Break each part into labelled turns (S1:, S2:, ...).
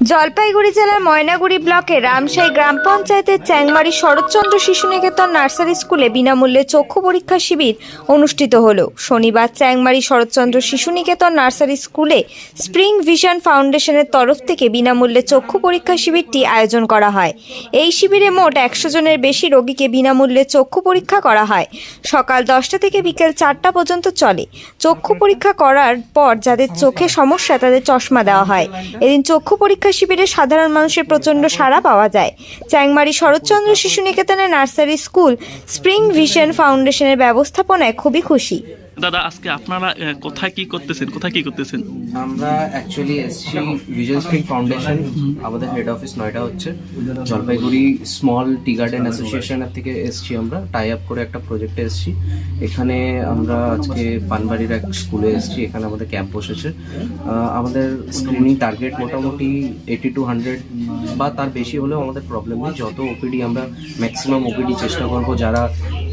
S1: জলপাইগুড়ি জেলার ময়নাগুড়ি ব্লকের রামশাই গ্রাম পঞ্চায়েতের চ্যাংমারি শরৎচন্দ্র শিশু নিকেতন নার্সারি স্কুলে বিনামূল্যে চক্ষু পরীক্ষা শিবির অনুষ্ঠিত হলো। শনিবার চ্যাংমারি শরৎচন্দ্র শিশু নিকেতন নার্সারি স্কুলে স্প্রিং ভিশন ফাউন্ডেশনের তরফ থেকে বিনামূল্যে চক্ষু পরীক্ষা শিবিরটি আয়োজন করা হয়। এই শিবিরে মোট 100 জনের বেশি রোগীকে বিনামূল্যে চক্ষু পরীক্ষা করা হয়। সকাল 10টা থেকে বিকেল 4টা পর্যন্ত চলে। চক্ষু পরীক্ষা করার পর যাদের চোখে সমস্যা তাদের চশমা দেওয়া হয়। এদিন চক্ষু পরীক্ষা শিবিরে সাধারণ মানুষের প্রচণ্ড সাড়া পাওয়া যায়। চ্যাংমারি শরৎচন্দ্র শিশু নিকেতনের নার্সারি স্কুল স্প্রিং ভিশন ফাউন্ডেশনের ব্যবস্থাপনায় খুবই খুশি।
S2: দাদা, আজকে আপনারা কোথায় কি করতেছেন?
S3: আমরা অ্যাকচুয়ালি এসছি ভিশন স্প্রিং ফাউন্ডেশন, আমাদের হেড অফিস নয়ডা হচ্ছে, জলপাইগুড়ি স্মল টি গার্ডেন অ্যাসোসিয়েশনের থেকে এসছি। আমরা টাই আপ করে একটা প্রজেক্টে এসছি। এখানে আমরা আজকে পানবাড়ির এক স্কুলে এসছি, এখানে আমাদের ক্যাম্প বসেছে। আমাদের স্ক্রিনিং টার্গেট মোটামুটি 80 to 100 বা তার বেশি হলেও আমাদের প্রবলেম নেই। যত ওপিডি আমরা ম্যাক্সিমাম ওপিডি চেষ্টা করবো, যারা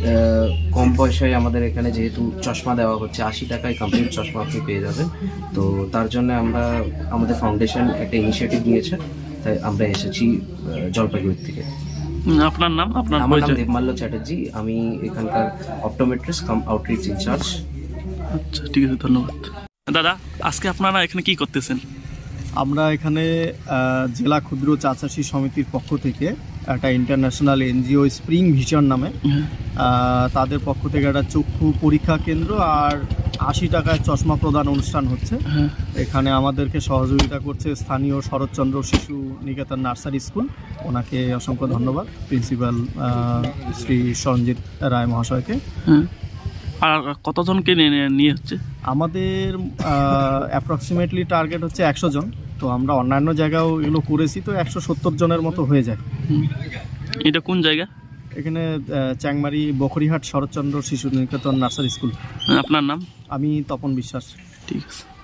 S3: কম পয়সায় আমাদের এখানে যেহেতু চশমা দেওয়া হচ্ছে, 80 টাকায় কমপ্লিট চশমা আপনি পেয়ে যাবেন। তো তার জন্য আমাদের ফাউন্ডেশন একটা ইনিশিয়েটিভ নিয়েছে, তাই আমরা এসেছি জলপাইগুড়ি থেকে।
S2: আপনার নাম?
S3: আমার নাম দেবমাল্য চ্যাটার্জি, আমি এখানকার অপটোমেট্রিস্ট কাম আউটরিচ ইনচার্জ।
S2: আচ্ছা, ঠিক আছে, ধন্যবাদ। দাদা, আজকে আপনারা এখানে কি করতেছেন?
S4: আমরা এখানে জেলা ক্ষুদ্র চা চাষী সমিতির পক্ষ থেকে একটা ইন্টারন্যাশনাল এনজিও স্প্রিং ভিশন নামে তাদের পক্ষ থেকে একটা চক্ষু পরীক্ষা কেন্দ্র আর 80 টাকায় চশমা প্রদান অনুষ্ঠান হচ্ছে। এখানে আমাদেরকে সহযোগিতা করছে স্থানীয় শরৎচন্দ্র শিশু নিকেতন নার্সারি স্কুল, ওনাকে অসংখ্য ধন্যবাদ, প্রিন্সিপাল শ্রী সঞ্জিত রায় মহাশয়কে।
S2: আর কতজনকে নিয়ে হচ্ছে?
S4: আমাদের অ্যাপ্রক্সিমেটলি টার্গেট হচ্ছে 100 জন। তো আমরা অন্যান্য জায়গাও এগুলো করেছি, তো 170 জনের মতো হয়ে যায়।
S2: এটা কোন জায়গা?
S4: এখানে চ্যাংমারি বখরিহাট শরৎচন্দ্র শিশু নিকেতন নার্সারি স্কুল।
S2: আপনার নাম?
S4: আমি তপন বিশ্বাস।
S2: ঠিক আছে।